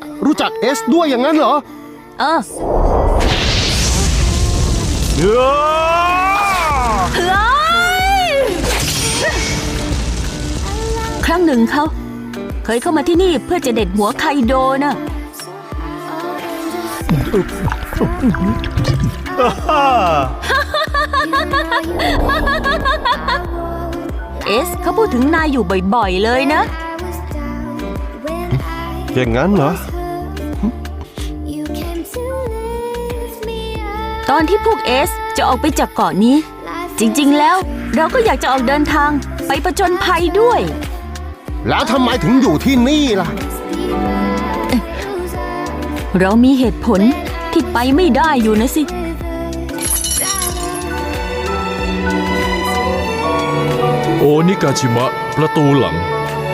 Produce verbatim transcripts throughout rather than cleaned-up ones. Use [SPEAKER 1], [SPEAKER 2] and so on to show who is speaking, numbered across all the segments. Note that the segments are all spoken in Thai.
[SPEAKER 1] รู้จักเอสด้วยอย่างนั้นเหรอ
[SPEAKER 2] เออเฮ้ยครั้งหนึ่งเขาเคยเข้ามาที่นี่เพื่อจะเด็ดหัวไคโดนะเอสเขาพูดถึงนายอยู่บ่อยๆเลยนะ
[SPEAKER 1] อย่างนั้นเหรอ
[SPEAKER 2] ตอนที่พวกเอสจะออกไปจากเกาะนี้จริงๆแล้วเราก็อยากจะออกเดินทางไปผจญภัยด้วย
[SPEAKER 1] แล้วทำไมถึงอยู่ที่นี่ล่ะ
[SPEAKER 2] เรามีเหตุผลที่ไปไม่ได้อยู่นะสิ
[SPEAKER 3] โอนิกาชิมะประตูหลัง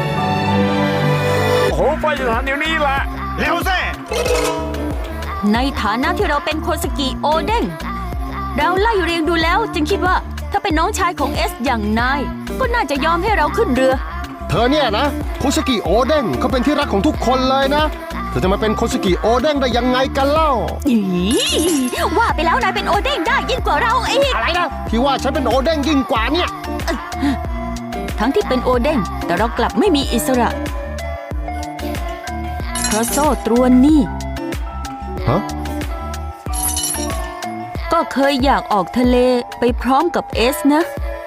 [SPEAKER 4] โอ้ไปสถานเดี๋ยวนี้แหละเร็วสิ
[SPEAKER 2] ในฐานะที่เราเป็นโคสกิโอเด้งเราไล่เรียงดูแล้วจึงคิดว่าถ้าเป็นน้องชายของเอสอย่างนายก็น่าจะยอมให้เราขึ้นเรือ
[SPEAKER 1] เธอเนี่ยนะโคสกิโอเด้งเขาเป็นที่รักของทุกคนเลยนะเธอจะมาเป็นโคสกิโอเด้งได้ยังไงกันเล่า
[SPEAKER 2] อีว่าไปแล้วนายเป็นโอเด้งได้ยิ่งกว่าเราอีก
[SPEAKER 1] อะไรนะที่ว่าฉันเป็นโอเด้งยิ่งกว่าเนี่ย
[SPEAKER 2] ทั้งที่เป็นโอเด้งแต่เรากลับไม่มีอิสระเพราะโซ่ตรวนนี่
[SPEAKER 1] ฮะ
[SPEAKER 2] ก็เคยอยากออกทะเลไปพร้อมกับเอสนะ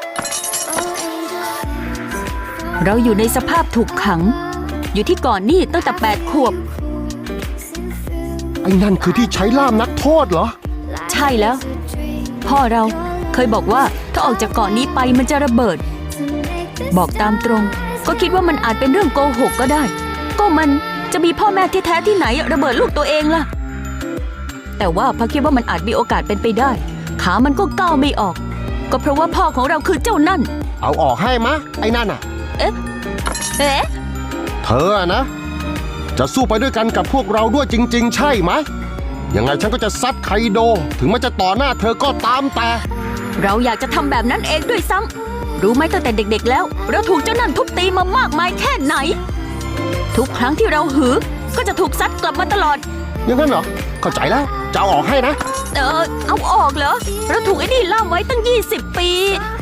[SPEAKER 2] เราอยู่ในสภาพถูกขังอยู่ที่เกาะนี่ตั้งแต่แปดขวบ
[SPEAKER 1] ไอ้นั่นคือที่ใช้ล่ามนักโทษเหรอ
[SPEAKER 2] ใช่แล้วพ่อเราเคยบอกว่าถ้าออกจากเกาะนี้ไปมันจะระเบิดบอกตามตรงก็คิดว่ามันอาจเป็นเรื่องโกหกก็ได้ก็มันจะมีพ่อแม่ที่แท้ที่ไหนระเบิดลูกตัวเองล่ะแต่ว่าพอคิดว่ามันอาจมีโอกาสเป็นไปได้ขามันก็ก้าวไม่ออกก็เพราะว่าพ่อของเราคือเจ้านั่น
[SPEAKER 1] เอาออกให้มะไอ้นั่นอ่ะ
[SPEAKER 2] เอ๊ะเอ๊ะ
[SPEAKER 1] เธอนะจะสู้ไปด้วยกันกับพวกเราด้วยจริงๆใช่ไหมยังไงฉันก็จะซัดไคโดถึงมันจะต่อหน้าเธอก็ตามแต่
[SPEAKER 2] เราอยากจะทำแบบนั้นเองด้วยซ้ำรู้ไหมตั้งแต่เด็กๆแล้วเราถูกเจ้านั่นทุบตีมามากมายแค่ไหนทุกครั้งที่เราหือก็จะถูกซัดกลับมาตลอด
[SPEAKER 1] อย่างนั้นเหรอเข้าใจแล้วจะเอาออกให้นะ
[SPEAKER 2] เออเอาออกเหรอเราถูกไอ้นี่ล่ามไว้ตั้งยี่สิบปี